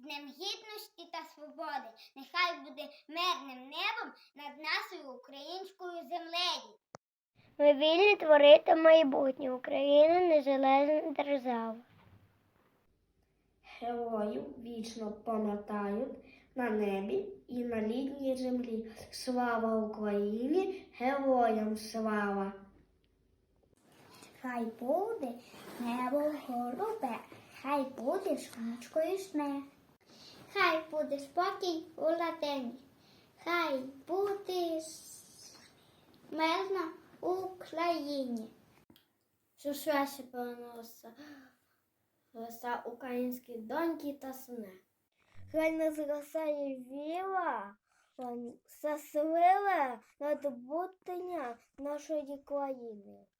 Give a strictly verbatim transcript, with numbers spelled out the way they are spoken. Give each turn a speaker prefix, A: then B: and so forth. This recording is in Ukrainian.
A: Днем Гідності та Свободи. Нехай буде мирним небом над нашою українською землею.
B: Ми вільні творити майбутнє. Україна – незалежна держава.
C: Героїв вічно пам'ятають на небі і на рідній землі. Слава Україні! Героям слава!
A: Хай буде небо голубе, хай буде сонечко ясне. Хай буде спокій у ладені, хай буде мирно у Україні.
C: Що швидше переноситься роса українські доньки та сини. Хай не зростає віра, щаслива надбуття нашої країни.